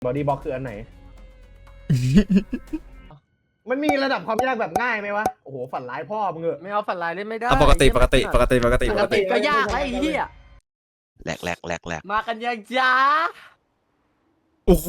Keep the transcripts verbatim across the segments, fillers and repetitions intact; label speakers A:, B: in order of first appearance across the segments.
A: บอดี้บล็อกคืออันไหน มันมีระดับความยากแบบง่ายไหมวะโอ้โหฝันร้ายพ่อมึงเหอะ
B: ไม่เอาฝันลายเล่นไม่ได้
C: ปกติปกติปกติปกติ
B: ป
C: ป
B: ก
C: ก
B: ติ
C: ติ
B: ก็ยากแล้วไอ้เหี้ย
D: แหลกแหลกแหลกแหลก
B: มากันยังจ้า
C: โอ้โห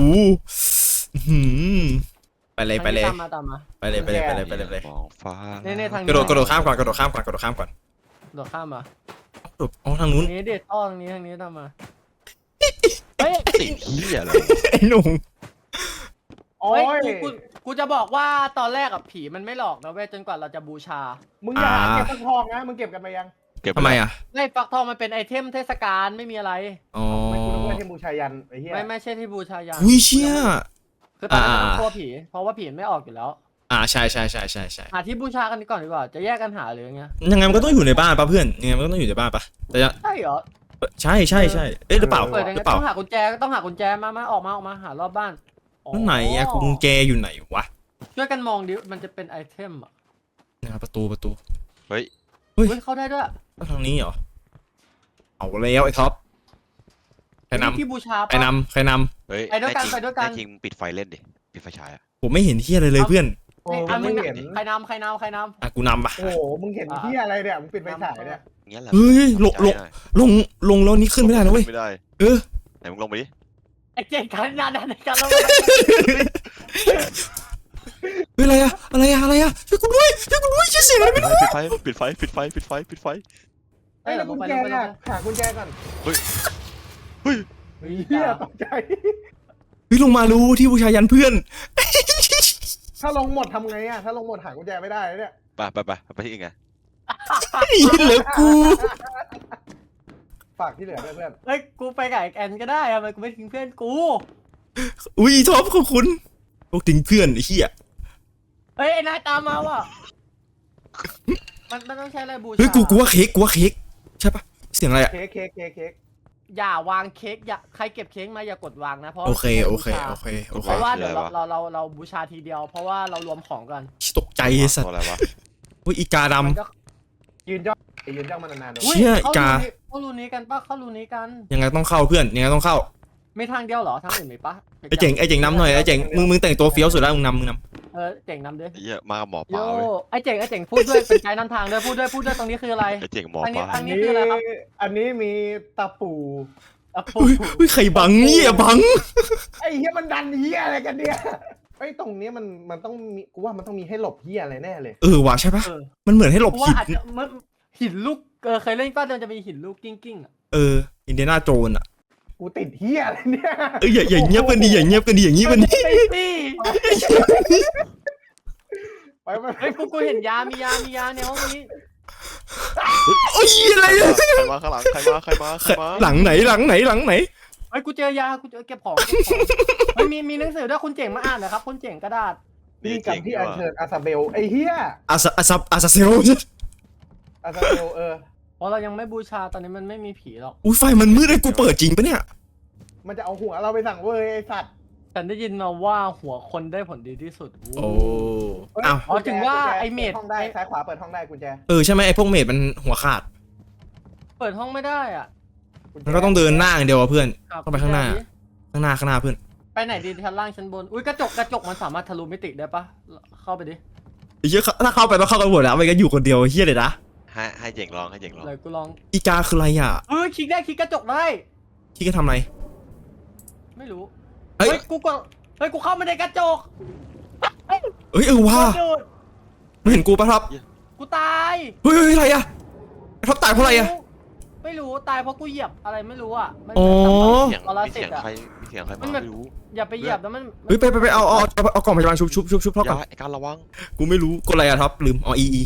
C: ไปเลยไปเลย
B: ตามมาตามมา
C: ไปเลยไปเลยไปเลยไปเลยไปเลย
D: มองฟ้า
B: เน่ๆทาง
C: กระโดดกระโดดข้ามก่อนกระโดดข้ามก่อนกระโดดข้ามก่อน
B: โดดข้ามมา
C: โดดอ๋อทางนู้น
B: ทางนี้เด็ดอ้อทางนี้ทางนี้ตามมาเฮ้ย
D: ติดเหี้ยอะไร
C: ไอ้หนุ่ม
A: โอ้
B: เฮ้ย
A: ย
B: กูกูกูจะบอกว่าตอนแรกอะผีมันไม่หลอกนะเว้ยจนกว่าเราจะบูชา
A: มึงอย่าหาเก็บฟักทองนะมึงเก็บกันไปยัง
D: เก็บ
C: ทำไมอ่ะ
B: ไม่ฟักทองมันเป็นไอเทมเทศกาลไม่มีอะไร
C: อ๋อ
A: ไม่กูนึกว่าเทมบูชายันไอ้เหี้ย
B: ไม่ไม่ใช่ที่บูชายัน
C: อุ้ยเชี่ย
B: คือตอนนี้
C: อ่า
B: มันกลัวผีเพราะว่าผีไม่ออกอยู่แล้ว
C: อ่าใช่ใช่ใช่ใช่ใช่
B: หาที่บูชากันก่อนดีกว่าจะแยกกันหาหรือยังไง
C: ยังไงมันก็ต้องอยู่ในบ้านป่ะเพื่อนยังไงมันก็ต้องอยู่ในบ้านป่ะแต่จะ
B: ใช่เหรอ
C: ใช่ใช่ใช่เอ๊ะหรือเปล่า
B: เปิดยัง
C: ห
B: ไง
C: รือเปล่า
B: ต้องหากุญแจต้องหากุญแจมามาออกมาออกมาหารอบบ้านอ๋อ
C: แล้วไหนอะกุญแจอยู่ไหนวะ
B: ช่วยกันมองดิมันจะเป็นไอเทมอ่ะ
C: นะครับประตูประตู
D: เฮ้ย
C: เฮ้ย
B: เฮ้ยเข้าได้ด้วย
C: แล้วทางนี้เหรอเอาแล้วไอ้ท็อปใครน
B: ที่บูชา
C: ำ
B: ปะ
C: ใครนำใครน
D: เฮ้ย
B: ไปด้วยกัน
D: แจริง
B: ไปด้วยกัน
D: แจริงปิดไฟเล่นดิปิดไฟฉายอะ
C: ำผมไม่เห็นที่อะไรเลยเพื่อน
A: โอ้
B: อ่ะ
A: มึ
B: มึ
A: ง
B: ง
A: เห็น
B: ใครนำใครนำใครน
C: อ่ะกูนำปะ
A: โอ้โหมึงเห็นเหี้ยอะไรเนี่ยมึงปิดไฟฉายเนี่ย
D: เงี้ยแหละ
C: เฮ้ยลงลง
D: ใจหน่อย
C: ลงลงแล้วนี้ขึ้นไม่ได้นะเว้ย
D: ไม่ได้
C: เออ
D: ไหนมึงลงไปดิ
B: ำไอ้เจ๊กันนานๆในการเรา
C: เฮ้ยอะไรอะอะไรอะอะไรอะช่วยกูด้วยช่วยกูด้วยช่วยเสียงอะไรไม่รู้
D: ปิดไฟปิดไฟปิดไฟปิดไฟปิดไฟ
A: ไอ้แล้วกุญแจเนี่ยหากุญแจก่อน
D: เฮ้ยเฮ้ย
A: เหี้ยตกใจ
C: เฮ้ยลงมารู้ที่บูชายันเพื่อน
A: ถ้าลงหมดทำไงอะถ้าลงหมดหากุญแจไม่ได้เนี่ย
D: ไปไปไปไปที่อื่นไง
C: เหลือกู
A: ฝากที่เหลือด้วยเพื่อน
B: เฮ้ยกูไปกับไอ้แอนก็ได้ทำไมกูไม่ทิ้งเพื่อนกู
C: อุ้ยท็อปขอบคุณพวกทิ้งเพื่อนไอ้เหี้ย
B: เฮ้ยไอ้นายตามมาว่ะมันมันต้องใช้อะไรบูชา
C: เฮ้ยกูกูว่าเค้กกูว่าเค้กใช่ปะเสียงอะไรอะ
A: เค้กเค้กเค้กเค้ก
B: อย่าวางเค้กอย่าใครเก็บเค้กมาอย่ากดวางนะเพราะ
C: โอเคโอเคโอเคโอเค
B: เพราะว่าเดี๋ยวเราเราเราเราบูชาทีเดียว เพราะว่าเรารวมของกัน
C: ตกใจไอ้สัต
D: ตัว
C: ว์
D: อะไรวะ
C: อุ้ยอีกาด
B: มันก็
A: ยืนจ้องยืนจ้องมันนานๆ
C: เชี่ย
B: เข้าก
C: า
B: รูนี้เข้ารูนี้กันปะเข้ารูนี้กัน
C: ำยังไงต้องเข้าเพื่อนยังไงต้องเข้า
B: มีทางเดียวเหรอทางอื่นมีปะ
C: ไอ้เจ๋งไอ้เจ๋งนำหน่อยไอ้เจ๋งมึงมึงแต่งตัวเฟี้ยวสุดแล้วมึงนำมึงน
B: เออเจ๋งนำด้วย
D: ไอ้เหี้ยมากับหมอป
B: โย
D: ลาเว้ย
B: ไอ้เจ๋งไอ้เจ๋งพูดด้วยเป็นไกด์นำทางด้วยพูดด้วยพูดด้วยตรงนี้คืออะไร
D: ไอ้เจ๋งหมอ
B: อัน
D: ป
B: นี้
D: ลา
B: อัน
A: อันนี้
B: คืออะไรครับ
A: อันนี้มีตะปู
B: อ่ะ
C: ำ
B: ปุ๊บ
C: อุ้ยอุ้ยใครบังเนี่ยบัง
A: ไอ้เหี้ยมันดันเหี้ยอะไรกันเนี่ยไอ้ตรงนี้มันมันต้องมีกูว่ามันต้องมีให้หลบเหี้ยอะไรแน่เลย
C: เออว่ะใช่ปะ
B: เออ
C: มันเหมือนให้หลบ
B: เพราะว่า
C: หิน
B: อาจจะมันหินลูกเออเคยเล่นป้าเดินจะมีหินลูกกิ้งกิ้งๆอะ
C: เอออินเดียนาโจนอะ
A: กูติดเหี้ยอะไรเนี่ย
C: เอออย่าอย่าเงียบกันดิอย่าเงียบกันดิอย่างงี้มัน
B: ไอ้พี่
A: ไปไปไป
B: เฮ้ยกูกูเห็นยามียามียาในห้องนี้
C: โอ้ยอะไร
D: ใคร
C: เนี่ย
D: มาใครมาข้างหลังใครมาใครมาใครมา
C: หลังไหนหลังไหนหลังไหน
B: เฮ้ยกูเจอยากูเจอเก็บของเก็บของเฮ้ยมีมีหนังสือด้วยคุณเจ๋งมาอ่านหนะครับคุณเจ๋งกระดาษ
A: นี่กับที่อัญเชิญอาซาเบลไอ้เหี้ย
C: อาซาอาซาอาซาเซโร
A: อาซาเบลเออ
B: เพราะเรายังไม่บูชาตอนนี้มันไม่มีผีหรอก
C: อุ้ยไฟมันมืดเลยกูเปิดจริงปะเนี่ย
A: มันจะเอาหัวเราไปสั่งเว้ยไอ้สัตว์
B: ฉันได้ยินมาว่าหัวคนได้ผลดีที่สุด
C: โอ้
A: เฮ้ย
C: อ้าว
B: อ๋อถึงว่า
A: กุญแจ
B: ไอ้เมด
A: ปิดห้องได้ซ้ายขวาเปิดห้องได้กุญแจ
C: เออใช่ไหมไอ้พวกเมดมันหัวขาด
B: เปิดห้องไม่ได้อ่ะ
A: ญแจ
C: มันก็ต้องเดินหน้าอย่างเดียวอะเพื่อน
B: ครับ
C: ต้องไปข้างหน้า ข้างหน้าข้างหน้าเพื่อน
B: ไปไหนดีชั้นล่างชั้นบนอุ้ยกระจกกระจกมันสามารถทะลุมิติได้ปะเข้าไปดิ
C: ไอ้เหี้ยถ้าเข้าไปต้องเข้ากันหมดแล้วไม่งั้นอยู่คนเดียวไอ้เฮียเลยนะ
D: ให้ให้เจ๋งลองให้เจ๋งลอง
B: เลยกูลอง
C: อีกาคืออะไรอ่ะ
B: เฮ้ยคลิกได้คลิกกระจกได้
C: ที่ก็ทำอะไร
B: ไม่รู้
C: เฮ้ย
B: เฮ้ยกูก็เฮ้ยกูเข้ามาในกระจก
C: เอ้ยเออว่า
B: โดด
C: ไม่เห็นกูปะครับ
B: กูตาย
C: เฮ้ยเฮ้ยอะไรอ่ะไอ้ท็อปตายเพราะอะไรอ่ะ
B: ไม่รู้ตายเพราะกูเหยียบอะไรไม่รู้อ่ะมัน
C: อ๋อ
D: เสียง
B: ปร
D: มี
B: สิ
D: เสี
B: ต
D: ยง
B: อะ
D: ใครมีเสียงใคร
B: มั
D: มาน
B: แบบ
D: ไม่รู้
B: อย่าไปเหยียบแล้วมัน
C: เฮ้ยไปไปไปเอาเอาเอาเอากล่องพยาบาลชุบชุบชุบชุบเท่า
D: อ
C: กั
D: ย่าน ไอ้การระวัง
C: กูไม่รู้กดอะไรอะท็อปลืมอ๋ออีอี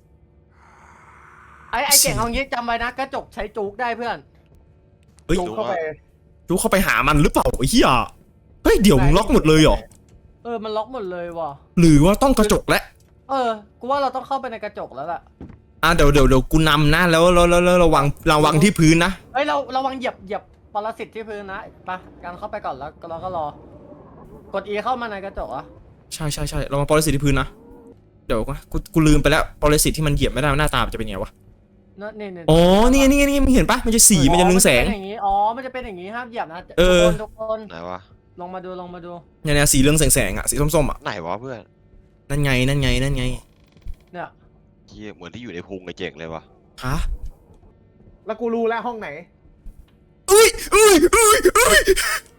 B: ไอ้ไอ้เก่งเอางี้จำไว้นะกระจกใช้จุกได้เพื่อน
C: เฮ้ย
A: จูงเข้าไป
C: จูเข้าไปหามันหรือเปล่าไอ้เหี้ยเฮ้ยเดี๋ยวมึงล็อกหมดเลยเหรอ
B: เออมันล็อกหมดเลยว่ะ
C: หรือว่าต้องกระจกและ
B: เออกูว่าเราต้องเข้าไปในกระจกแล้วล่ะ
C: อ่ะเดี๋ยวเดี๋ยวเดี๋ยวกูนำนะแล้วแล้วแล้วแล้วระวังระวังที่พื้นนะ
B: เฮ้ยเราระวังเหยียบเหยียบปรสิตที่พื้นนะไปการเข้าไปก่อนแล้วเราก็รอกด E เข้ามาในกระจกอ่ะ
C: ใช่ใช่ใช่ระวังปรสิตที่พื้นนะเดี๋ยวกูกูลืมไปแล้วปรสิตที่มันเหยียบไม่ได้หน้าตามันจะเป็นไงวะ
B: นั่นนี่นี่
C: อ๋อนี่นี่นี่มึงเห็นปะมันจะสีมันจะเรืองแสง
B: อ๋อมันจะเป็นอย่างนี้อ๋อมันจะเป็นอย่างนี้ห้ามเหยียบนะ
C: เออ
B: ทุกคนทุกคน
D: ไหนวะ
B: ลงมาดูลงมาดู
C: เนี่ยเนี่ยสีเรืองแสงๆอ่ะสีส้มๆอ่ะ
D: ไหนวะเพื่อน
C: นั่นไงนั่นไงนั่นไง
B: เนี่ย
D: เฮียเหมือนที่อยู่ในพุงไอ้เจ๋งเลยวะ
C: ฮะ
A: แล้วกูรู้แล้วห้องไหน
C: อุ้ยอุ้ยอุ้ยอุ้ย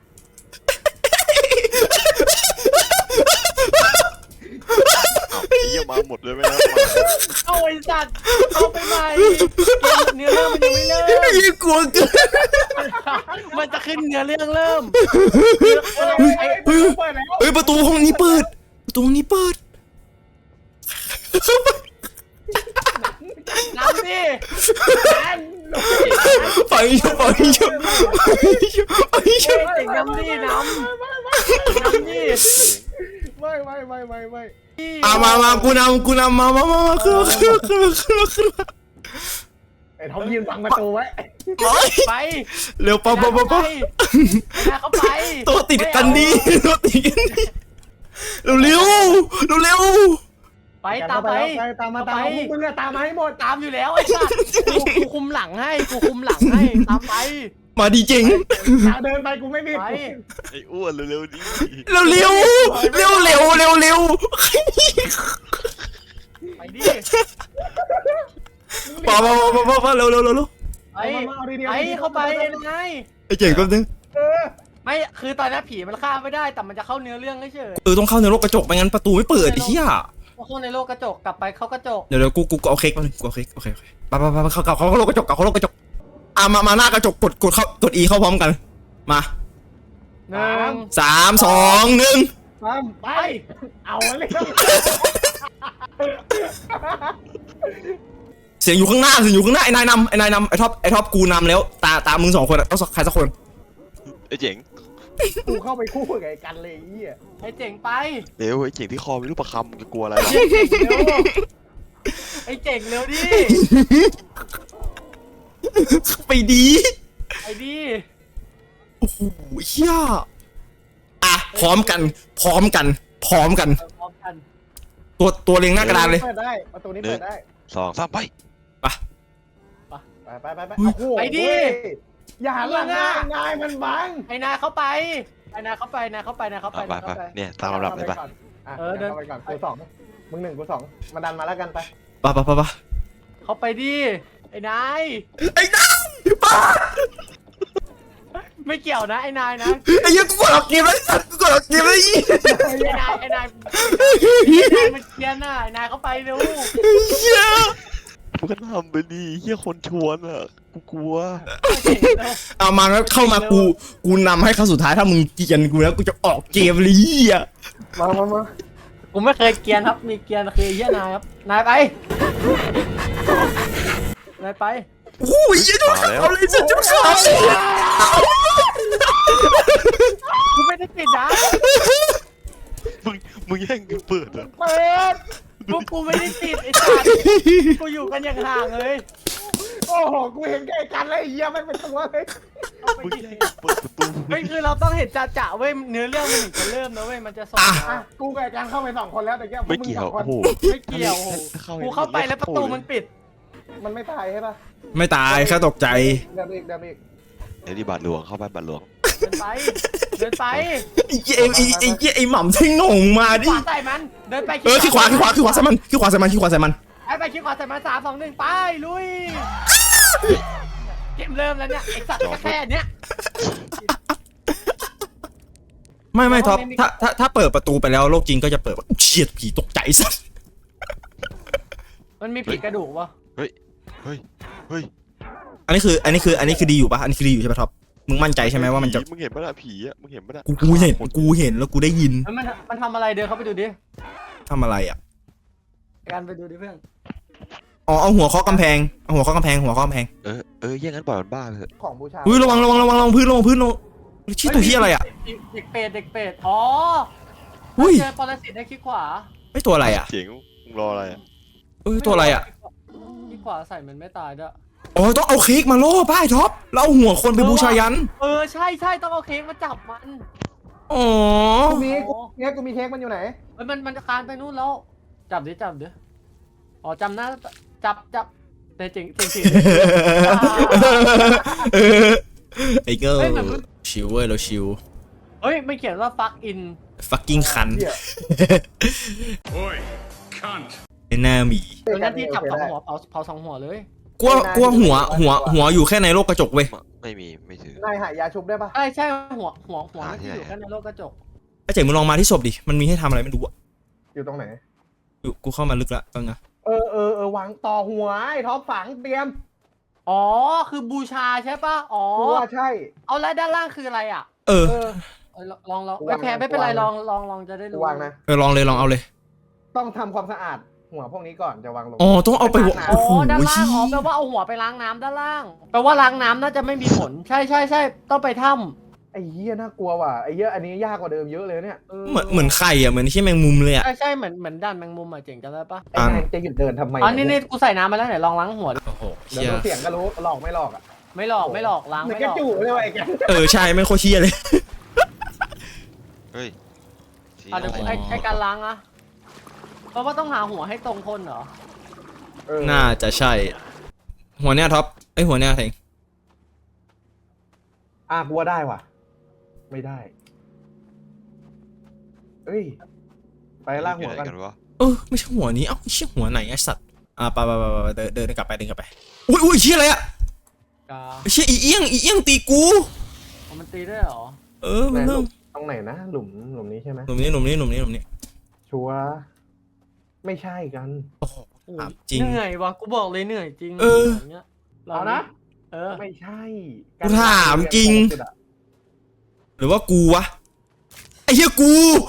D: ไอ้เฮียมาหมดเลยไหมนะ
B: เอาไอ้สัตว์เอาไปใหม่เนื้อเรื่องมันยังไม่เริ่ม
C: ยิ่งกลัวเกิน
B: มันจะขึ้นเนื้อเรื่องเริ่ม
A: ไอ้ไอ้ประตูเปิดแล้ว
C: เฮ้ยประตูห้องนี้เปิด ประตูห้องนี้เปิด
B: น้ำดิ
C: ไปเยอะไปเยอะไปเยอะ
B: เจ๋งน้ำดิน้ำน้ำดิ
A: ไม่ไม่ไม่ไม่ไม่
C: อ่ะมามากูนำกูนำมามามามาขึ้นมาขึ้นมาขึ้นมาขึ้นมาขึ้นมา
A: ไอ้ทอมยืนบังประตูไว้
B: ไป
C: เร็วปั๊บปั๊บปั๊บปั๊บ
B: เข้าไป
C: ตัวติดกันดีตัวติดกันดีเร็วเร็วเร็วเร็ว
B: ไปตามไป
A: ไปตามมาตามมาพวกมึงอะตามมาให้หมด
B: ตามอยู่แล้วไอ้สัตว์กูกูคุมหลังให้กูคุมหลังให้ตามไป
C: มาดีจริง
A: เดินไปกูไม่มี
B: ไป
D: ไอ้อ้วนเร็วๆดิ
C: เร็วเร็วเร็วเร็วเร็วเร็ว
B: ไปดิ
C: ป่าป่าป่าป่าป่าเร็วเร็วเร็ว
B: ไปไปเข้าไปไง
C: ไอ้เจ๋งแป๊บนึง
A: เออ
B: ไม่คือตอนนี้ผีมันฆ่าไม่ได้แต่มันจะเข้าเนื้อเรื่องเฉย
C: เออต้องเข้าในโลกกระจกไม่งั้นประตูไม่เปิดไอ้เหี้ย
B: พอเข้าในโลกกระจกกลับไปเข้ากระจก
C: เดี๋ยวเดี๋ยวกูกูเอาเค้กมาหนึ่งกูเอาเค้กโอเคโอเคไปไปไปเข้าเข้าเข้าโลกกระจกเข้าโลกกระจกอ่ะมามาหน้ากระจกกดกดเข้ากด E เข้าพร้อมกันมา
B: หนึ่ง
C: สามสองหนึ่ง
A: ตามไป
B: ไป
A: เอาเลย
C: เสียงอยู่ข้างหน้าเสียงอยู่ข้างหน้าไอ้นายนำไอ้นายนำไอ้ท็อปไอ้ท็อปกูนำแล้วตาตามึงสองคนอะต้องใครสักคน
D: ไอ้เจ๋ง
A: กูเข้าไปคู่กับไอ้กันเลยไอ้เหี้ย
B: ไอ้เจ๋งไป
D: เร็วไอ้เจ๋งที่คอมีลูกประคำมึงจะกลัวอะไร
B: ไอ้เจ๋งเร็วดิ
C: ไปดี
B: ไอ้ดิ
C: โอ้โหเฮียอ่ะพร้อมกัน พร้อมกัน พร้อมกัน
B: พร้อมกัน
C: ตัวตัวเรียงหน้ากระดานเลย
A: เปิดได้ประตูนี้เปิดได้
D: สองสามไป
C: ไป
A: ไปไปไปไปโอ้โหอย่าหันหลังนะนายมันบัง
B: ไอ้นายเข้าไปไอ้นายเข้าไปนายเข้าไปนายเข้าไป
D: ไปไปเนี่ยตามลำดับเลยปะ
A: เออเดินไปก่อนกูสองมึงหนึ่งกูสองมาดันมาแล้วกันไป
C: ไปไปไปไป
B: เข้าไปดิไอ้นาย
C: ไอ้น้ำป้า
B: ไม่เกี่ยวนะไอ้นายนะ
C: ไอ้เหี้ยังกูกดออกเกมแล้วไอ้สัตว์กูกดออกเกมแล้วไอ้
B: ไอ้นายไอ้นายไอ้นายมันเกียนน่ะไอ้นายเข้าไปเร็ว
C: เหี้ย
D: พวกกันทำไปดิเฮียคนชวนอ่ะกูกลัว
C: เอามาแล้วเข้ามากูกูนำให้ครั้งสุดท้ายถ้ามึงเกลียนกูแล้วกูจะออกเกมเลยเหี้ย
A: มามามา
B: กูไม่เคยเกียนครับมีเกียนคือเฮียนายครับนายไปนายไป
C: โอ้ยเหี้ยเจ้าขาวเลยสัตว์เจ้าขาว
B: กูไม่ได้ปิดนะ
D: มึงมึงแย่งกันเปิดอ่ะ
B: เปิดพวกกูไม่ได้ปิดไอ้สัตว์กูอยู่กันอย่างห่างเลย
A: โอ้โหกูเห็นแกกันเลยไอ้เหี้ยมันเป็นตัวเลย
D: มึงแย่งกันเปิดประตู
B: ไม่คือเราต้องเห็นจ่าๆเว้ยเนื้อเรื่องมันถึงจะเริ่มนะเว้ยมันจะสอน
A: อ่ะกูกับไอ้กันเข้าไปสองคนแล้วแต่แก
D: ไม่เกี่ยวโอ้โห
B: ไม่เกี่ยวโอ้โหกูเข้าไปแล้วประตูมันปิด
A: มันไม่ตายใช่ปะ
C: ไม่ตายแค่ตกใจ
A: เดินอีกเดินอีก
D: เดี๋ยวที่บาทหลวงเข้าบ้านบาทหลวง
B: เดินไปเดินไป
C: ไอ้เหี้ยไอ้ไอ้ไอ้ไอ้หม่ำเท่งงงมาดิ
B: ขวาใส่มันเดินไป
C: เออขี้ขวาขี้ขวาขี้ขวาใส่มันขี้ขวาใส่มันขี้ขวาใส่มัน
B: ไปไปขี้ขวาใส่มันสามสองหนึ่งไปลุยเกมเริ่มแล้วเนี่ยไอ้สัตว์ก็แค่เนี้ย
C: ไม่ไม่ท็อปถ้าถ้าถ้าเปิดประตูไปแล้วโลกจริงก็จะเปิดว่าเฉียดผีตกใจสัส
B: มันมีผีกระดูกปะ
D: เฮ้ยเฮ้ยเฮ้ย
C: อันนี้คืออันนี้คืออันนี้คือดีอยู่ปะอันนี้คือดีอยู่ใช่ปะท็อปมึงมั่นใจใช่ไหมว่ามันจะ
D: มึงเห็นปะล่ะผีอ่ะมึงเห็นปะล่ะ
C: กูกูเห็นกูเห็นแล้วกูได้ยิน
B: มันมันทำอะไรเดินเข้าไปดูดิ
C: ทำอะไรอ่ะ
B: การไปดูดิเพื่อน
C: อ๋อเอาหัวเคาะกำแพงเอาหัวเคาะกำแพงหัวเคาะกำแพง
D: เออเออแย่งกันปล่อยมันบ้าเถอะ
A: ของบูชา
C: อุ้ยระวังระวังระวังระวังพื้นระวังพื้นระวังชี้ตัวที่อะไรอ่ะ
B: เด็กเป็ดเด็กเป็ดอ๋อ
C: อุ้ย
B: เจอปรสิตได้ขี้ขวา
C: ไอ้ตัวอะไรอ่ะ
D: เจ๋งมึงรออะไรอ่ะ
C: เอ้ยตัวอะไรอ่ะ
B: ขี้ขวาใส่มันไม่ตายด้วย
C: อ๋อต้องเอาเค้กมาล่อป้ายท็อปแล้วเอาหัวคนไปบูชายัน
B: เออใช่ใช่ต้องเอาเค้กมาจับมัน
C: อ๋อ
A: กูมีกูเค้กกูมีเค้กมันอยู่ไหน
B: เฮ้ยมันมันจะคานไปนู่นแล้วจับดิจับดิอ๋อจำหน้าจับจับแต่เจ๋งเจ๋งจริง
C: ไอ้เกิร์ลชิวเว้ยเราชิว
B: เฮ้ยไม่เขียนว่า fuck in
C: fucking คัน
A: เหี้ย
E: Oi, cunt.
C: ไอ้หน้าหมี
B: ตรงนั้นที่จับสองหัวเผาเผาสองหัวเลย
C: กลัวกลัวหัวหัวหัวอยู่แค่ในโลกกระจกเว้ย
D: ไม่มีไม่ถือน
A: ายหายาชุบได้ปะ
B: ใช่ใช่หัวหัวหัวมันที่อยู่แค่ในโลกกระจก
C: ไอ้เจ๋งมึงลองมาที่ศพดิมันมีให้ทำอะไรไม่รู้อะ
A: อยู่ตรงไหน
C: อยู่กูเข้ามาลึกละตอนนะ
A: เออเออเออวางต่อหัวไอ้ท็อปฝังเตรียม
B: อ๋อคือบูชาใช่ปะอ๋อ
A: กูว่าใช่
B: เอาแล้วด้านล่างคืออะไรอ่ะ
C: เออ
A: เออ
B: เออลองลอง
A: กู
B: ไม่
A: วาง
B: แพ้
A: นะ
B: ไม่เป็นไร
A: กู
B: ล
A: วา
B: อง งลองลองจะได้
A: กู
B: รู้
A: วางนะ
C: เออลองเลยลองเอาเลย
A: ต้องทำความสะอาดหัวพวกนี้ก่อนจะวางลง
C: อ๋อต้องเอาไปวะ
B: อ๋อ
C: โอ้โห
B: ด้านล่างอ๋อแปลว่าเอาหัวไปล้างน้ำด้านล่างแปลว่าล้างน้ำน่าจะไม่มีผลใช่ใช่ใช่ต้องไปถ้
A: ไอ้เหี้ยน่ากลัวว่ะไอ้เหี้ยอันนี้ยากกว่าเดิมเยอะเลยเนี่ย
B: ำ
C: เหมือนเหมือนไข่อะเหมือนที่แมงมุมเลยอะ
B: ใช่ใช่เหมือนเหมือนด้านแมงมุมอ่ะเจ๋งจำได้ปะ
A: ไอ้นายจะหยุดเดินทำไม
B: อ๋อนี่นี่กูใส่น้ำมาแล้วไหนลองล้างหัวดู
C: โอ้โห
A: เดี๋ยว
C: เชี่ย
A: ดูเสียงก็รู้หลอกไม่หลอกอ่ะ
B: ไม่หลอกไม่หลอกล้าง
A: เหมือน
B: ไม่
A: ก
B: ห
A: ระ
B: ลอก
A: จูเลยว่ะไอ้แก
C: เออใช่ไม่โคตรเชี่ยเลย
D: เฮ้ยสี
B: อ่ะเดี๋ยว
D: อะไร
B: ไอ้ไอ้การล้างอะเพราะว่าต้องหาหัวให้ตรงคนเหรอ
A: เออ
C: น่าจะใช่ หัวเนี้ยท็อปไอยหัวเนี้ยเถง
A: อ่ะกลัวได้ว่ะ ไม่ได้เอ้ยไปล่างหัวกัน
D: กันวะ
C: เออไม่ใช่หัวนี้เอ้าเชี่ยหัวไหนไอสัตว์อ่ะไปไปไปไปเดินเดินกลับไปเดินกลับไปอุ้ยอุ้ยเชี่ยอะไรอะ
B: กา
C: เชี่ยอีเอี้ยงอีเอี้ยงตีกู
B: อ๋อมันตีได้เหรอ
C: เออมันเริ่ม
A: ตรงไหนนะหลุมหลุมนี้ใช่ไหม
C: หนุ่มนี้หนุ่มนี้หนุ่มนี้หนุ่มนี้
A: ชัวร์ไม่ใช่กัน
C: โอ้โห
B: โอ้ย
C: ถามจริง
B: เหนื่อยวะกูบอกเลยเหนื่อยจริง
C: เออ
B: ย่างเงี้ย
A: เอานะ
B: เออ
A: ไม่ใช่
C: กูถามจริง หรือว่ากูวะไอ้เหี้ยกู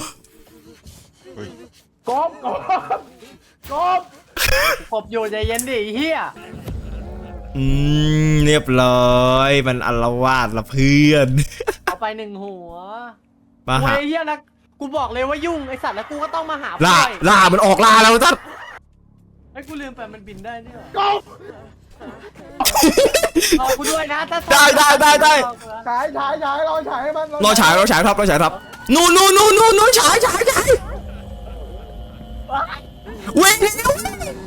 A: กบกบกบ
B: กบอยู่ใจเย็นดิไอ้เฮีย
C: อืมเรียบร้อยมันอลวาดละเพื่อน
B: เอาไปหนึ่งหัว
C: มา
B: โอ้
C: หาย
B: ไอ้เฮียแล้วกูบอกเลยว่ายุ่งไอสัตว์แล้วกูก็ต้องมาหา
C: ล่า
B: พ่อย
C: ล่ามันออกล่าแล้วท่าน
B: ไอ้ยกูลืมไปมันบินได้นี่หรอก
A: บ
B: รอกูด้วยนะถ้า
C: ได้ได้ได้ได้
A: ฉายฉายฉายรอฉายให้มัน
C: รอฉายรอฉายครับรอฉายครับนู่นนู่นนู่นนู่นนู่นฉายฉายฉายเว้ยเร็ว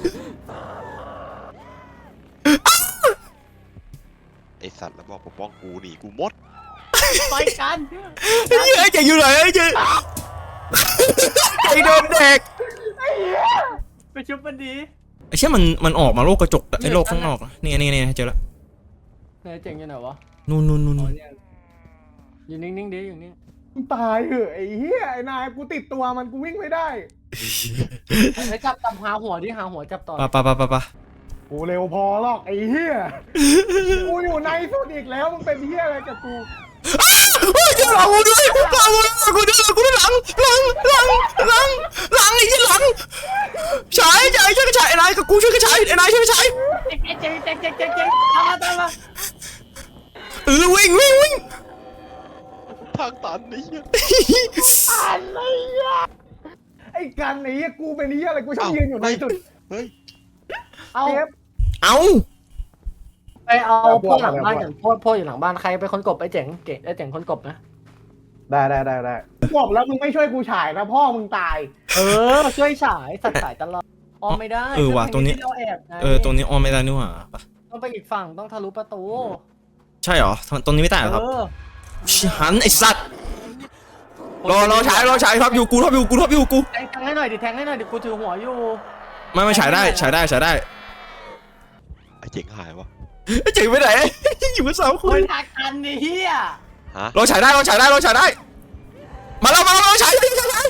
D: ไอสัตว์แล้วบอกปกป้องกูหนีกูหมด
B: ไปกัน
C: ไอ้เหี้ยเจ๋งอยู่ไหนไอ้เจ๋งไอ้โดนเด็ก
B: ไปชุบมันดี
C: ไอ้เชี่ยมันมันออกมาโลกกระจกไอ้โลกข้างนอกอะนี่นี่นี่เจอแล้ว
B: ไหนเจ๋งอยู่ไหนวะ
C: นู่นนู่นนู่นนู่น
B: อยู่นิ่งๆดิอยู่นิ่ง
A: ตายเหอะไอ้เหี้ยไอ้นายกูติดตัวมันกูวิ่งไม่ได้
B: ไอ้จับจับหาหัวดิหาหัวจับต่อ
C: ปะปะปะปะปะ
A: กูเร็วพอหรอกไอ้เหี้ยกูอยู่ในสุดอีกแล้วมึงเป็นเหี้ยอะไรกับกู
C: เฮ้ยเจอหลังกูด้วยหลังกูด้วยกูด้วยหลังหลังหลังหลังหลังไอ้ยี่หลังฉายฉายช่วยกระฉายไอ้นายกับกูช่วยกระฉายไอ้นายช่วยกระฉาย
B: เจ๋งเจ๋งเจ๋งเจ๋งเจ๋งตามมาตามมา
C: เออวิ่งวิ่งวิ่ง
D: ทางตันไอ้เหี้ย
A: อะไรอ่ะไอ้กันไอ้เหี้ยกูเป็นเหี้ยอะไรกูชอบยืนอยู่ในสุด
D: เฮ้ย
B: เอา
A: เจ็บ
C: เอา
B: ไปเอา
A: เอาพ
B: พ
A: ว
B: ว
A: ก
B: กหลังบ้าน
A: เอาพวก
B: กันพวกพวกอยู่หลังบ้านใครเป็นคนกบไอ้เจ๋งเจ๋งไอ้เจ๋งคนกบนะ
A: ได้ได้ได้ได้บอกแล้วมึงไม่ช่วยกูฉายนะพ่อมึงตาย
B: เออช่วยฉายสัตว์ฉายตลอดออมไม่ได้
C: เออว่ะตรงนี้
B: ที่เราแอบไง
C: เออตรงนี้ออนไม่ได้นี่หว่าปะ
B: ต้องไปอีกฝั่งต้องทะลุประตู
C: ใช่เหรอตรงนี้ไม่ได้เหรอครับ
B: เออ
C: หันไอ้สัตว์รอรอฉายรอฉายครับอยู่กูท็อปอยู่กูท็อปอยู่กู
B: แทงแทงให้หน่อยดิแทงให้หน่อยดิกูถือหัวอยู่
C: ไม่ไม่ฉายได้ฉายได้ฉายได้
D: ไอเจ๋งหายวะ
C: ไอ้เจ๋งไปไหนอยู่กันสามค
B: คน นทักกันนี่เฮีย
D: ฮะ
C: รอฉายได้รอฉายได้รอฉายได้มาแล้วมาแล้วรอฉายวิ่งฉายฉาย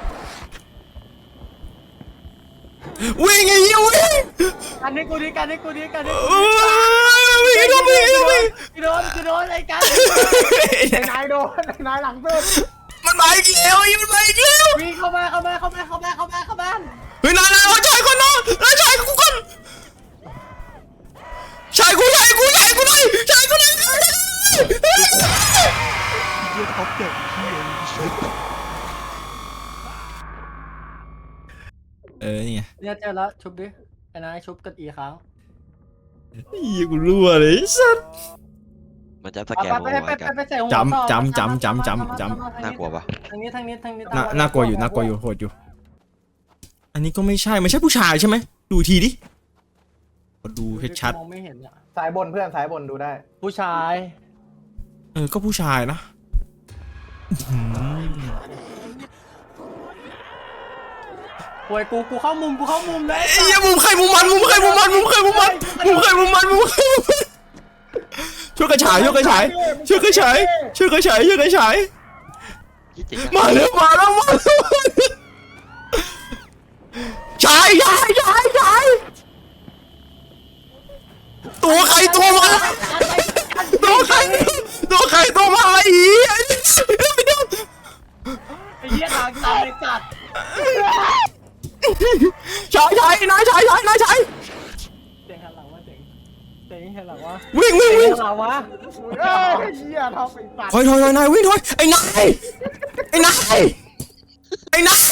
C: วิ่งไอ้เหี้ยวิ่ง
B: กันให้กูดิกันให้กูดิกันให้
C: เออวิ่งไอ้โดนวิ่งไอ้โดนวิ่ง
B: กูโดนกูโดนไอ้กัน
A: ไอ้นายโดนไอ้นายหลังสุด
C: มันมาอีกแล้วไอ้มันมาอีกแล้ว
B: วิ่งเข้ามาเข้ามาเข้ามาเข้ามาเข้ามาเข้ามา
C: เฮ้ยนายนายรอฉายก่อนนะรอฉายกูก่อนฉายกูฉายกูฉายกูหน่อยฉายกูหน่อย
D: เหี้ยท็อปเด็กเหี้ย
C: เออนี่ไง
B: เนี่ยเจอแล้วชุบดิไอ้นายชุบกันอีกครั้ง
C: เหี้ยกูรั่วเลยสัส
D: มันจะส
B: ไป
D: แกน
B: ไป
D: หัว
B: ไป
D: ไว้
B: ไป
D: กัน
B: ไปใส่หัว
C: จำ
B: ต่อ
C: จำจำจำจำจำ
D: น่ากลัวปะ
B: ทางนี้ทางนี้ทางนี้
C: น่าน่ากลัวอยู่น่ากลัวอยู่โหดอยู่ อันนี้ก็ไม่ใช่ไม่ใช่ผู้ชายใช่ไหมดูทีดิดูให้ชัด
B: มองไม่เห็นอ่ะ
A: สายบนเพื่อนสายบนดูได้
B: ผู้ชาย
C: เออก็ผู้ชายนะ
B: ป่วยกูกูเข้ามุมกูเข้ามุมเลย
C: ไอ้เหี้ยมุมใครมุมมันมุมใครมุมมันมุมใครมุมมันมุมใครมุมมันมุมใครมุมมันช่วยกระฉายช่วยกระฉายช่วยกระฉายช่วยกระฉายช่วยกระฉาย
D: ยี่เจ๋ง
C: มาแล้วมาแล้วมาแล้วฉายฉายฉายฉายตัวใครตัวมันตัวใครตัวใครตัวมันอะไรอีก
B: ไอ้เหี้ยทางตันเลยจัด
C: ฉายฉายนายฉายฉายนายฉาย
B: เจ๋งหันหลังวะเจ๋งเจ๋งหันหลังวะ
C: วิ่งวิ่ง
B: เจ๋
C: วิ่
B: ง
C: ง
B: หันหลังวะ
A: เอ้ยเหี้ยทำไอ้สัตว์
C: ถอยถอยถอยนายวิ่งถอยไอ้นายไอ้นายไอ้นาย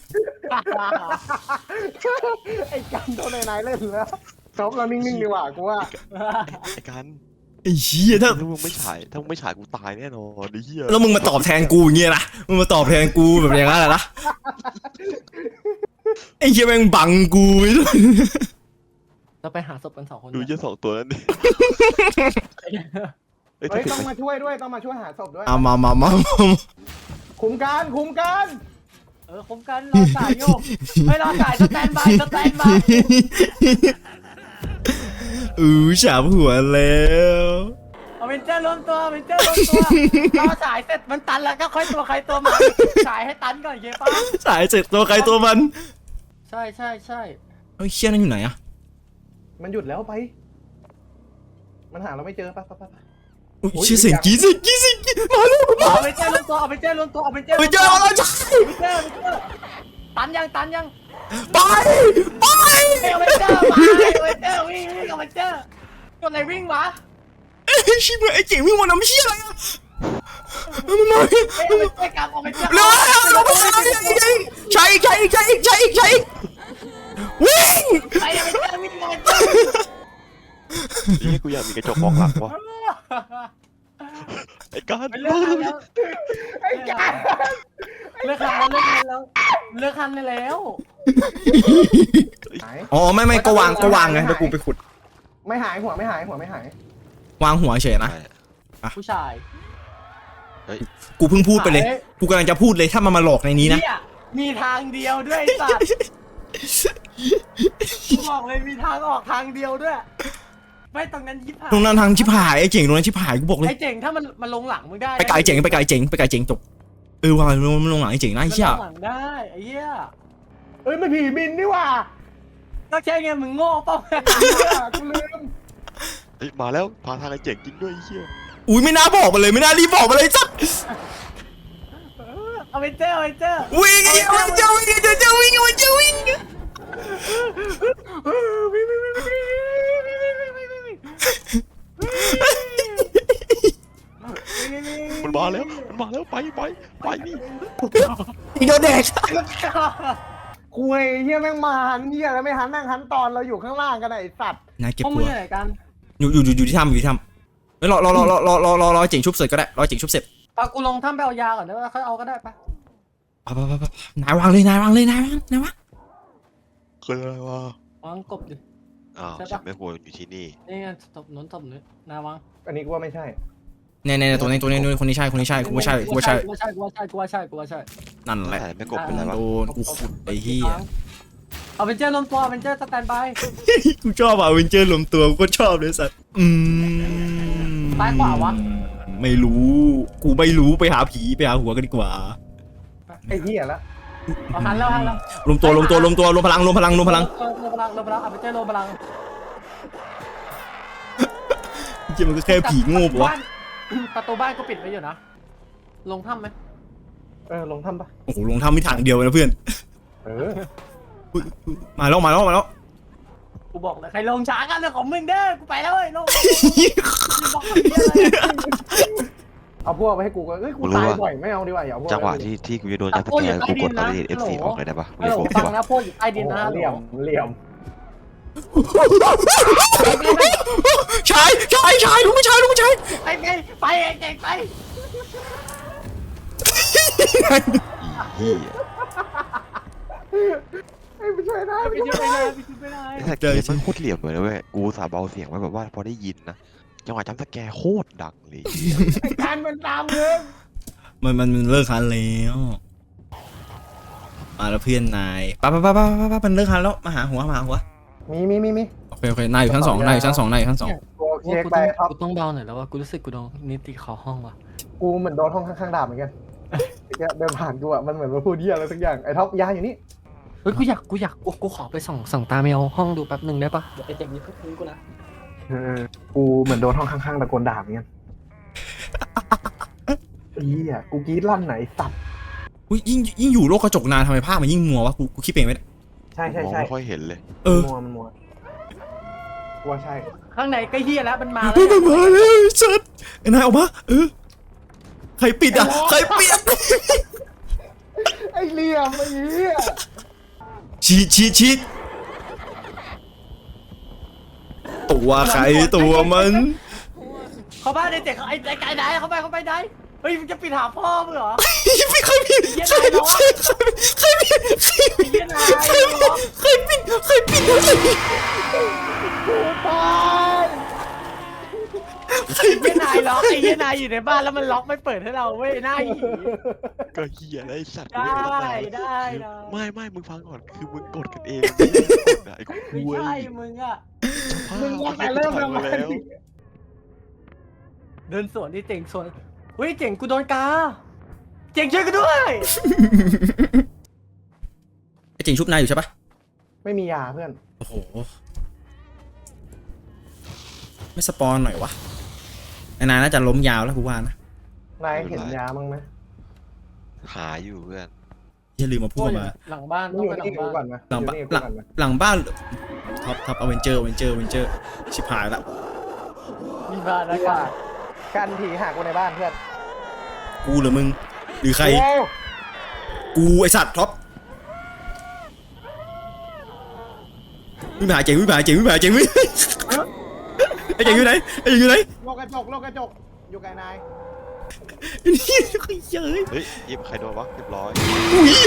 A: ไอ้กันโดนไอ้นายเล่นแล้วจบเรานิ่งๆดีกว่ากูว่า
D: ไอ้กัน
C: ไอ้เหี้ยถ้า
D: ถ้ามึงไม่ฉายถ้ามึงไม่ฉายกูตายแน่นอนไอ้เหี้ย
C: แล้วมึงมาตอบแทนกูอย่างเงี้ยนะมึงมาตอบแทนกูแบบอย่างนั้นแหละนะไอ้เหี้ยแม่งบังกู
B: เราไปหาศพกันสองคน
D: ดูเยี่ยสองตัวนั้นดิเอ้ย
A: เฮ้ย
D: ถ้า
A: ต้อง
D: ถึง
A: มาช่วยด้วยต้องมาช่วยหาศพด้วย
C: เอามามามามา
A: คุมการคุมการ
B: เออคมกันรอสายโยกไม่รอสายสแตนบายสแตนบาย
C: อือฉาบหัวแล้ว
B: เอาเวนเจอร์รวมตัวเอาเวนเจอร์รวมตัวรอสายเสร็จมันตันแล้วก็ค่อยตัวใครตัวมันสายให้ตันก่อนเย้ป้า
C: สายเสร็จตัวใครตัวมัน
B: ใช่ใช่ใช่
C: เฮ้ยเชี่ยนั่นอยู่ไหนอะ
A: มันหยุดแล้วไป มันหาเราไม่เจอปะปะปะปะ
C: อุ้ยเชี่ยเสียงกรี๊ดเสียงกรี๊ดเสียงกรี๊ดมาแล้วมา
B: เอาเวนเจอร์รวมตัวเอาเวนเจอร์รวมตัวเอาเวนเจอร์
C: ไปเจอแล้วจ้า
B: เอาเวนเจอร์เอาเวนเจอร์ตันยังตันยัง
C: ไปไป
B: เอาเวนเจอร์มาเอาเวนเจอร์วิ่งวิ่งเอาเวนเจอร์ตัวไหนวิ่งวะ
C: เอ้ยชิบหายไอ้เจ๋งวิ่งมาน้ำเชี่ยอะไรอะมันมา
B: เอ้ยเอาเวนเจอร์กลับเอาเวนเจอร์
C: เร็วเร็วเร็วเร็วใช้ใช้ใช้ใช้ใช้วิ่ง
B: ไปเอาเวนเจอร์วิ่งเอาเวนเจอร์
D: ไอ้เหี้ยกูอยากมีกระจกมองหลังว่ะไอ้กัน
B: ไปเลิกคันแล้ว
A: ไอ้การ
B: เลิกคันแล้วเลิกคันแล้วเลิกคันได้แล้ว
A: หาย
C: อ๋อไม่ไม่ก็วางก็วางไงแล้วกูไปขุด
A: ไม่หายหัวไม่หายหัวไม่หาย
C: วางหัวเฉยนะ
B: ผู้ชาย
C: กูเพิ่งพูดไปเลย กูกำลังจะพูดเลยถ้ามันมาหลอกในนี้นะ
B: เนี่ยมีทางเดียวด้วยไอ้สัตว์กูบอกเลยมีทางออกทางเดียวด้วยไม่ตรงนั้นยิบหาย
C: ตรงนั้นทางชิบหายไอ้เจ๋งตรงนั้นชิบหายกูบอกเลย
B: ไอ้เจ๋งถ้ามันมันลงหลังมึงได้
C: ไปไกลเจ๋งไปไกลเจ๋งไปไกลเจ๋งจบเออว่ามันลงหลังไอ้เจ๋งนะ
B: มั
C: ไอ้
B: น
C: เชี่ย
B: ลงหลังได้ไอ้เหี้ย
A: เอ้ยมันผีบินนี่หว่า
B: ก็ใช่ไงมึงโง่เปล่า
A: เหี้ยกูลืม
D: เฮ้ยมาแล้วพาทางไอ้เจ๋งจริงด้วยไอ้เหี้ย
C: อุ้ยไม่น่าบอกมาเลยไม่น่ารีบบอกมาเลยสัก
B: เอาไปเจอเอาไปเจอ
C: วิ่งไอ้เจ้าวิ่งเจ้าเจ้าวิ่งไอ้เจ้าวิ่ง
D: มันมาแล้วมันมาแล้วไปไปไปนี่
C: อีโดเด็ก
A: คุยเฮียแม่งมาหันเฮียแล้วไม่หันนั่งหันตอนเราอยู่ข้างล่างกันไอ้สัตว์
C: นายเก็บ
B: พวกมึ
C: ตั
B: ง
C: ว
B: อยู่ไหนกัน
C: อยู่อยู่อยู่ที่ถ้ำอยู่ที่ถ้ำเฮ้ยรอรอรอรอรอรอรอรอเจ๋งชุบเสร็จก็ได้รอเจ๋งชุบเสร็จ
B: ปากูลงถ้ำไปเอายาก่อนได้ป่ะเขาเอาก็ได้ปะ
C: ไปไปไปนายวางเลยนายวางเลยนายวางนายวาง
D: เคยอะไรวะ
B: วางกบดิ
D: อ้าว
B: ใช่ปะ
D: ฉันไม่ควรอยู่ที่นี่
B: นี่ไงตบหนุนตบหนุนนาวาง
A: อันนี้กูว่าไม่ใช่
C: เนี่ยเนี่ยตัวนี้ตัวนี้คนนี้ใช่คนนี้ใช่กูว่าใช่กูว่าใช่
B: กูว่าใช่กูว่าใช่กูว่าใช่กูว่าใช่
C: นั่นแหละ
D: แต่ไม่กบเป็นไรวะ
C: โดนกูขุดไอ้เหี้ย
B: เอาเป็นเจ้าลมตัวเป็นเจ้าสแตนบาย
C: กูชอบอ่ะเวนเจอร์รวมตัวกูก็ชอบเลยสัตว์อืม
B: ซ้ายขวาวะ
C: ไม่รู้กูไม่รู้ไปหาผีไปหาหัวกันดีกว่า
A: ไอ้เฮียละ
B: เอาหันแล้วหันแล้ว
C: รวมตัวรวมตัวรวมตัวรวมพลังรวมพลังรวมพลัง
B: ลมพลังลมพลังเอาเป็นเจ้าลมพลัง
C: จริงมันก็แค่ผีโง่ปะวะ
B: ประตูบ้านก็ปิดไว้อยู่นะลงถ้ำไหม
A: เออลงทำปะ
C: โอ้โหลงทำไม่ทางเดียวนะเพื่อน
A: เออ
C: อุ๊ยอุ๊ยมาแล้วมาแล้วมาแล้ว
B: กูบอกเลยใครลงช้ากันเรื่องของมึงเด้อกูไปแล้วเว้ยลงบอกเลย
A: เอาพวกไปให้กูก็เอ้ยกูตายบ่อยไม่เอาดีกว่าอย่าเอาพวก
D: จังหวะที่ที่กูจะโดนจับตะแกรงกูกดอะไรเอฟซีออกเลยได้ปะ
B: ฮัลโหล
D: ไม่
B: ฟัง
D: ได้
B: นะพวกอยู่ใต้ดินนะ
A: เหลี่ยมเหลี่ยม
C: ชายชายชายลุงไม่ชายลุงไม่ชาย
B: ไปไปไปเก่งไป
D: อีเหี้ย
A: ไอ้ไม่ช่วยได้
B: ไปช่วยไม่ได้ไปช่วยไม่ได้
D: ไอ้สแกนมันโคตรเหลี่ยมเลยนะเว้ยกูสาเบาเสียงไว้แบบว่าพอได้ยินนะจังหวะจำสแกร์โคตรดังเลย
A: ไอ้การมันตามมึง
C: มันมันมันเลิกคันแล้วมาแล้วเพื่อนนายปะปะปะปะปะปะมันเลิกคันแล้วมาหาหัวมาหาหัว
A: มีมีมีมี
C: โอเคโอเคนายอยู่ชั้นสองนายอยู่ชั้นสองนายอยู่ชั้นสอง
A: กูโอเค
B: ว่ากู
A: ไป
B: ต้อง
A: ท็อป
B: กูต้องเบาหน่อยแล้วว่ากูรู้สึกกูโดนนิติเขาห้องว่ะ
A: กูเหมือนโดนห้องข้างๆดาบเหมือนกันเนี่ยเดินผ่านกูอะมันเหมือนมาพูดเหี้ยอะไรสักอย่างไอ้ท็อปยาอยู่นี่
B: เฮ้ยกูอยากกูอยากกูกูขอไปส่องส่องตาแมวห้องดูแป๊บหนึ่งได้ปะเดี๋ยวไอ้เจ๋งนี้เพิ่งกูนะ
A: เออกูเหมือนโดนห้องข้างๆตะโกนด่าเหมือนกันเหี้ยกูกรี๊ดลั่นไหนสัตว์
C: อุ้ยยิ่งยิ่งอยู่โลกกระจกนานทำไมภาพมันยิ่งมัววะกูกูคิดเองไหมเนี่ย
A: ใช่ใช่
D: มอง
A: ใช่
D: ไม่ค่อยเห็นเลย
C: เออ
A: มัวมันมัวกูว่าใช่
B: ข้างในก็เฮียแล้วมันมาแล้ว
C: เฮ้ยมันมาแล้วชัดไอ้นายออกมาเออใครปิดอ่ะใครปิดอะ
A: ไอ้เหลี่ยมไอ้เหี้ย
C: ชีดชีดชีดตัวใครตัวมัน
B: เขาบ้านไอ้เจ๋งไอ้ไอ้ไก่ไหนเขาไปเขาไปไหนเฮ้ยมึงจะปิดหาพ่อมึงเหรอ
C: ไม่เคยปิดใครปิดใครปิดใครปิด
B: เฮียนาย
C: ใครปิดใครปิด
A: กูตาย
C: ใคร
B: เฮี
C: ปิ
B: ย
C: ด
B: นายล็อกไอ้เฮียนายอยู่ในบ้านแล้วมันล็อกไม่เปิดให้เราเว้ยหน้าหี
D: ก็เฮียไอ้สัตว์
B: ได้
D: เว้ย
B: ได้ได้
D: ไม่ไม่มึงฟังก่อนคือมึงกดกันเองไม่ได้กดอะไอ้คุ
B: ไม่
D: ย
B: ใช่มึงอะ
A: มึง
D: ว่า
A: ว่าแต่เริ่ม
D: ถ่าย
A: ทำไม
D: มาแล้ว
B: เดินสวนที่เจ๋งสวนเฮ้ยเจ๋งกูโดนกาเจ๋งช่วยกูด้วย
C: ไอ้จริงชุบนายอยู่ใช่ปะ
A: ไม่มียาเพื่อน
C: โอ้โหไม่สปอนหน่อยวะไอ้นายน่าจะล้มยาวแล้วกูว่านะ
A: นายเห็นยามั้งไหม
D: หาอยู่เพื่อน
C: อย่าลืมมาพูดมา
B: หลังบ้าน
A: มึ
B: ต้
A: ง
B: อง
A: อยู่
B: ไปหลั
A: นี่
B: ง
A: กู
B: บ้าน
A: ก่อนนะ
C: หลังบ้านหลัง
A: อยู่นี่กูก่อนนะ
C: หลังบ้านท็อปท็อปอเวนเจอร์อเวนเจอร์อเวนเจอร์ชิบหายละ
B: มีบ้านแล้ว
A: ว่า
B: กัน
A: กันผีหากูในบ้านเพื่อน
C: กูหรือมึงหรือใคร
A: โอ้
C: กูไอสัตว์ท็อปวิ่งไปหาเจ๋งวิ่งไปหาเจ๋งวิ่งไปหาเจ๋งวิ่งไอเจ๋งอยู่ไหนไอเจ๋งอยู่ไหน
A: โลกกระจกโลกกระจกอยู่ไกลนาย
C: นี่ก็เยอะ
D: เฮ้ยยิบใครโดนวะเรียบร้อย
C: อุ้ย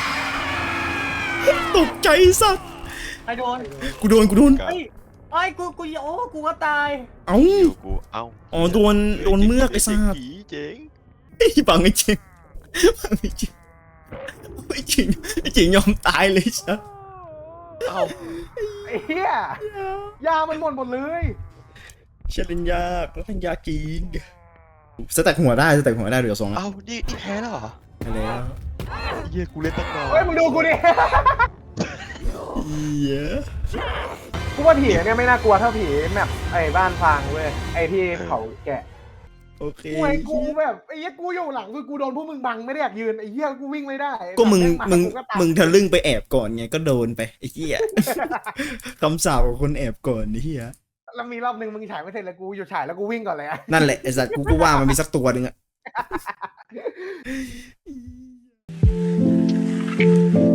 C: ตกใจสัตว์
B: ไอ้โดน
C: กูโดนกูโดน
B: เฮ้ยไอ้กูกูโอ้กูก็ตาย
C: เอ้า
D: อยู่กูเอ้า
C: อ๋อโดนโดนเมือกไอ้สัตว์
D: ผีเจ๋ง
C: ไอ้บังไอ้จริงบังไอ้จริงไอ้จริงไอ้จริงยอมตายเลยสัส
B: เอ้า
A: ไอ้เหี้ยยามันหมดหมดเลย
C: เชลินยากแล้วเป็นยาจีนสแต็กหัวได้สแต็กหัวได้เดี๋ยวสอง
D: เอ้านี่นี่แพ้แล้วเหรอ
C: ไปแล้ว
D: เฮียกูเล่นตั้งนาน
A: เฮ้ยมึงดูกูดิ
C: เหี้ย
A: กูว่าผีเนี่ยไม่น่ากลัวเท่าผีแมปไอ้บ้านฟางเว้ยไอ้ที่เขาแกะ
C: โอเค
A: กูไอ้กูแบบไอ้เหี้ยกูอยู่หลังคือกูโดนพวกมึงบังไม่ได้อยากยืนไอ้เหี้ยกูวิ่งไม่ได้
C: ก็มึง
A: แบบ
C: มึง
A: แาตาย
C: มึงทะลึ่งไปแอบก่อนไงก็โดนไปไอ้เหี้ยคำสาปของคนแอบก่อนไอ้เหี้ย
A: แล้วมีรอบหนึ่งมึงฉายไม่เสร็จเลยกูอยู่ฉายแล้วกูวิ่งก่อนเลยอะ
C: นั่นแหละไอ้สัตว์กูก็ว่ามันมีสักตัวหนึ่งอะ